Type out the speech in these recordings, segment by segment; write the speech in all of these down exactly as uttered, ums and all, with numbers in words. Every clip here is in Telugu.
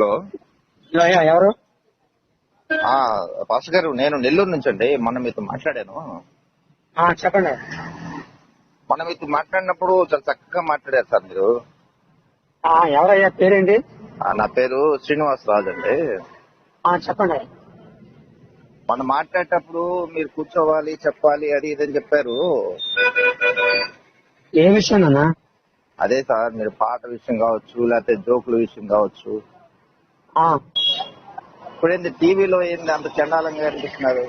హలో హలో, అయ్యా ఎవరు? ఆ పాస్టర్ గారు, నేను నెల్లూరు నుంచి అండి. మొన్న మీతో మాట్లాడాను. ఆ, చెప్పండి. మొన్న మీతో మాట్లాడినప్పుడు చాలా చక్కగా మాట్లాడారు సార్ మీరు. ఆ, ఎవరయ్యా, పేరేంటి? ఆ, నా పేరు శ్రీనివాస్ రాజు అండి. ఆ, చెప్పండి. మొన్న మాట్లాడేటప్పుడు మీరు కూర్చోవాలి, చెప్పాలి, అది ఇదని చెప్పారు. ఏ విషయం అన్నా? అదే సార్, మీరు పాట విషయం కావచ్చు, లేకపోతే జోకుల విషయం కావచ్చు. ఆ, ఇప్పుడేంది టీవీలో ఏంది అంత చండాలంగా కనిపిస్తున్నారు?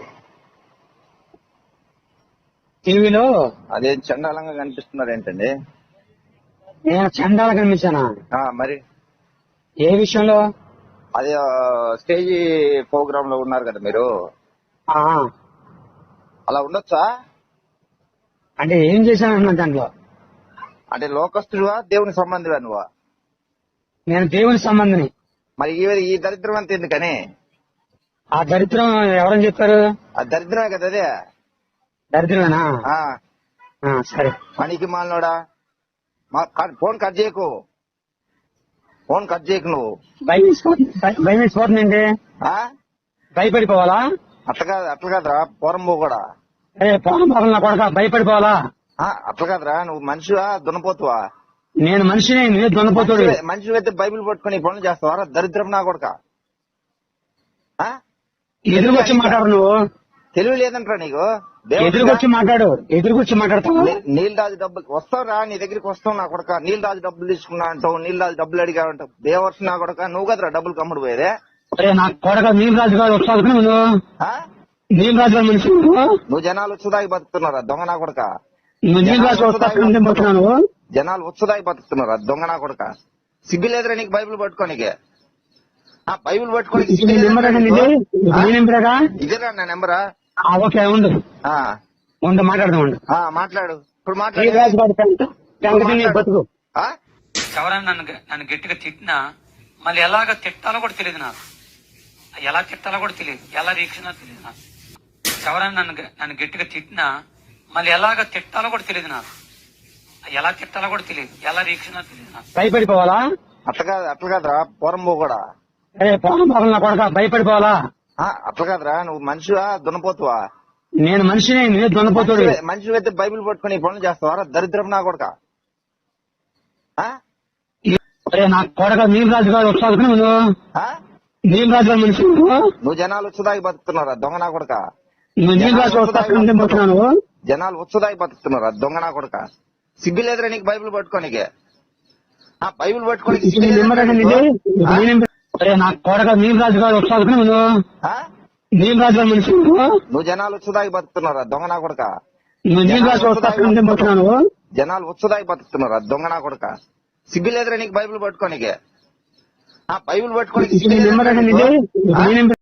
టీవీలో అదే చండాలంగా కనిపిస్తున్నారు ఏంటండి? నేను చండాల కనిపించానా? ఆ, మరి ఏ విషయంలో? అదే ఆ, స్టేజీ ప్రోగ్రామ్ లో ఉన్నారు కదా మీరు. ఆ, అలా ఉండొచ్చా? అంటే ఏం చేశానన్నా దాంట్లో? అంటే లోకస్తుడువా, దేవుని సంబంధివా నువ్వా? నేను దేవుని సంబంధిని. మరి ఈ ఈ దరిద్రం అంత ఎందుకని? ఆ దరిద్రం ఎవరని చెప్పారు? ఆ దరిద్రమే కదా అదే. దరిద్రమేనా? ఆ, ఆ, సరే. పనికి మాలినోడా, మా క- ఫోన్ కట్ చేయకు, ఫోన్ కట్ చేయకు నువ్వు. భయం వేసిపోతుంది. భయం వేసిపోతుందండి. ఆ? భయపడిపోవాలా? అట్లా కాదు, అట్లా కాదురా పోరంబో కూడా. ఏ పోనం పోవాలి నా కొడక, భయపడిపోవాలా? ఆ, అట్లా కాదురా, నువ్వు మనిషివా దున్నపోతువా? నేను మనిషిని, నువ్వే దొన్నపోతాడు. మనిషి అయితే బైబిల్ పట్టుకుని ఈ పనులు చేస్తావారా? దరిద్రం నా కొడక. ఆ? ఎదురుకొచ్చి మాట్లాడు నువ్వు. తెలివి లేదంటరా నీకు? దేవుడు ఎదురుకొచ్చి మాట్లాడు. ఎదురుకొచ్చి మాట్లాడతావు. నీల్ రాజు డబ్బులు వస్తావురా, నీ దగ్గరికి వస్తావు నా కొడక. నీల్ రాజు డబ్బులు తీసుకున్నా అంటావు, నీల్ రాజు డబ్బులు అడిగా అంటావు. దేవర్స్ నా కొడక, నువ్వు కదరా డబ్బులు కమ్ముడు పోయేదే. అరే నా కొడక, నీలరాజు గారు వస్తావు నువ్వు. ఆ? నీలరాజు గారు మనిషి నువ్వు. నువ్వు జనాలు ఉత్సుదాగి బతుకుతున్నారా దొంగ నా కొడక? నువ్వు నీలరాజు వస్తా నువ్వు. జనాలు ఉత్సుదాగి బతుకుతున్నారా దొంగ నా కొడక? సిగ్గు లేదురా నీకు బైబిల్ పట్టుకోనికే? ఆ, బైబిల్ పట్టుకోని ఇదేరా నా నెంబరా? ఓకే, ఉండు ఆ, ఉండు మాట్లాడదాం. ఉండు ఆ, మాట్లాడు ఇప్పుడు మాట్లాడు. నీలరాజు గారి పెంట బతుకు. ఆ? ఎవరైనా నన్ను నన్ను గట్టిగా తిట్టినా మళ్ళీ ఎలాగ తిట్టాలో కూడా తెలియదు నాకు. ఎలా తిట్టాలో కూడా తెలియదు, ఎలా రీక్షణ తెలియదు నాకు. ఎవరైనా నన్ను నన్ను గట్టిగా తిట్టినా మళ్ళీ ఎలాగ తిట్టాలో కూడా తెలియదు నాకు. ఎలా తిట్టాలో కూడా తెలియదు, ఎలా రీక్షణ తెలియదు నాకు. భయపడిపోవాలా? అట్లా కాదు, అట్లా కాదురా పోరంబో కూడా. అరే పోనం పోవాలి నా కొడక, భయపడిపోవాలా? ఆ, అట్లా కాదురా, నువ్వు మనిషివా దున్నపోతువా? నేను మనిషిని, నువ్వే దొన్నపోతాడు. మనిషి అయితే బైబిల్ పట్టుకుని ఈ పనులు చేస్తావారా? దరిద్రం నా కొడక. ఆ? అరే నా కొడక, నీలరాజు గారు వస్తావు నువ్వు. ఆ? నీలరాజు గారి మనిషి నువ్వు. నువ్వు జనాలు ఉత్సుదాగి బతుకుతున్నారా దొంగ నా కొడక? నువ్వు నీలరాజు వస్తా నువ్వు. జనాలు ఉత్సుదాగి బతుకుతున్నారా దొంగ నా కొడక? సిగ్గు లేదురా నీకు బైబిల్ పట్టుకోనికే? ఆ, బైబిల్ పట్టుకోని అరే నా కొడక, నీలరాజు గారు వస్తావు నువ్వు. ఆ? నీలరాజు గారి మనిషి నువ్వు. నువ్వు జనాలు ఉత్సుదాగి బతుకుతున్నారా దొంగ నా కొడక? నువ్వు నీలరాజు వస్తా నువ్వు. జనాలు ఉత్సుదాగి బతుకుతున్నారా దొంగ నా కొడక? సిగ్గు లేదురా నీకు బైబిల్ పట్టుకోనికే? ఆ, బైబిల్ పట్టుకోని